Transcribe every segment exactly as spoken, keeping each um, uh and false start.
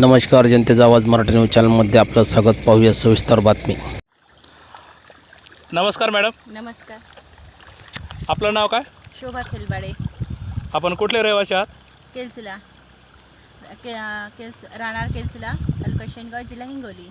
नमस्कार, जनतेचा आवाज मराठी न्यूज चॅनलमध्ये आपलं स्वागत. पाहूया सविस्तर बातमी. नमस्कार मॅडम. नमस्कार. आपलं नाव काय? शोभा खेलबाडे. आपण कुठले रहिवासी आहात? केलसिला के केल्स राहणार केलसिला, तालुका शेनगाव, जिल्हा हिंगोली.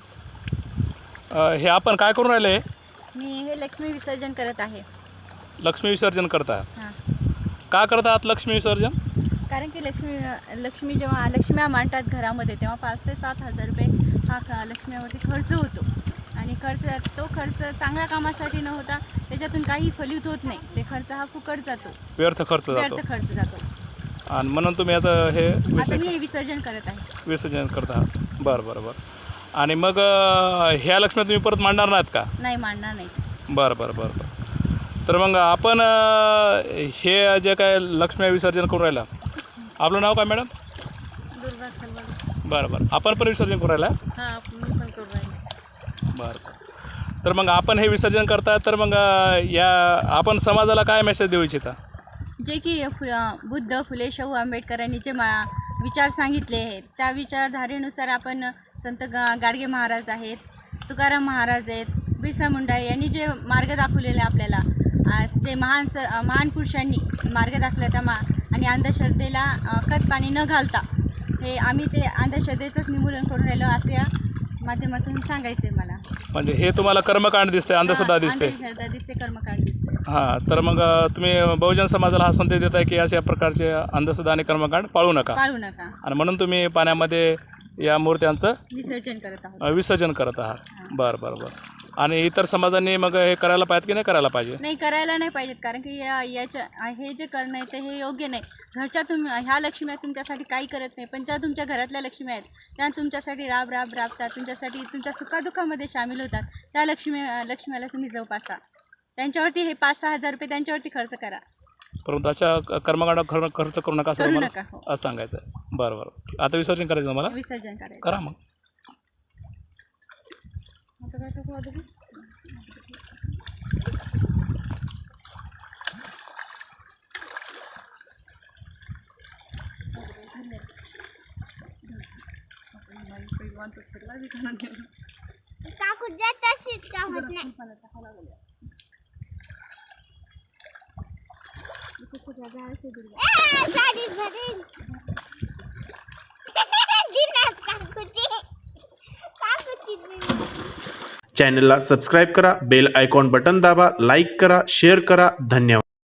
अ, हे आपण काय करून राहिले? मी हे लक्ष्मी विसर्जन करत आहे. लक्ष्मी विसर्जन करता? हां. का करता आहात लक्ष्मी विसर्जन? कारण की लक्ष्मी लक्ष्मी जेव्हा लक्ष्म्या मांडतात घरामध्ये तेव्हा पाच ते सात हजार रुपये हा ख लक्ष्म्यावरती खर्च होतो आणि खर्च तो खर्च चांगल्या कामासाठी न होता त्याच्यातून काही फलित होत नाही. ते खर्च हा फुकट जातो, व्यर्थ खर्च जातो. व्यर्थ खर्च जातो. आणि म्हणून तुम्ही याचं हे आता विसर्जन मी विसर्जन करत आहे. विसर्जन करता आहात. बरं बरं बरं. आणि मग अ, ह्या लक्ष्म्या तुम्ही परत मांडणार नाहीत का? नाही, मांडणार नाही. बरं बरं बरं बरं. तर मग आपण अ, हे जे काय लक्ष्म्या विसर्जन करून राहिला, आपलं नाव काय मॅडम? दुर्गा खेलबाडे. बरं बरं. आपण पण विसर्जन करून राहिला? हां, मी पण करू राहिले. बरं. तर मग आपण हे विसर्जन करता, तर मग या आपण समाजाला काय मेसेज देऊ इच्छिता? जे की फु बुद्ध, फुले, शाहू आंबेडकरांनी जे मा विचार सांगितले आहेत त्या विचारधारेनुसार आपण संत गा गाडगे महाराज आहेत, तुकाराम महाराज आहेत, बिरसा मुंडा यांनी जे मार्ग दाखवलेले आपल्याला, जे महान स महान पुरुषांनी मार्ग दाखवला त्या मा आणि अंधश्रद्धेला खत पाणी न घालता हे आम्ही ते अंधश्रद्धेचंच निर्मूलन करून राहिलो असं या माध्यमातून सांगायचं आहे मला. म्हणजे हे तुम्हाला कर्मकांड दिसते, अंधश्रद्धा दिसते? अंधश्रद्धा दिसते, कर्मकांड दिसते. हां. तर मग तुम्ही बहुजन समाजाला हा संदेश देताय की अशा प्रकारचे अंधश्रद्धा आणि कर्मकांड पाळू नका, पाळू नका, आणि म्हणून तुम्ही पाण्यामध्ये या मूर्त्यांचं विसर्जन करत आहोत. विसर्जन करत आहात. बरं बरं बरं. आणि इतर समाजांनी मग हे करायला पाहिजे की नाही करायला पाहिजे? नाही, करायला नाही पाहिजेत. कारण की या याच्या हे जे करणं आहे ते हे योग्य नाही. घरच्या तुम ह्या लक्ष्म्या तुमच्यासाठी काही करत नाही, पण ज्या तुमच्या घरातल्या लक्ष्म्या आहेत त्या तुमच्यासाठी राब राब राबतात, तुमच्यासाठी तुमच्या सुखादुखामध्ये सामील होतात. त्या लक्ष्मी लक्ष्म्याला तुम्ही जोपासा. त्यांच्यावरती हे पाच सहा हजार रुपये त्यांच्यावरती खर्च करा, परंतु अशा कर्मकांड खर्च करू नका असं करू मला नका. हो. असं सांगायचं आहे. बरं बरं. आता विसर्जन करायचं मला? विसर्जन करायचं. करा मग. आता काय टाकू आता? काकू जात असेल का होत नाही. ए, साडी भरेल. दिनात काकूची काकूची चॅनलला सबस्क्राईब करा, बेल आयकॉन बटन दाबा, लाईक करा, शेअर करा. धन्यवाद.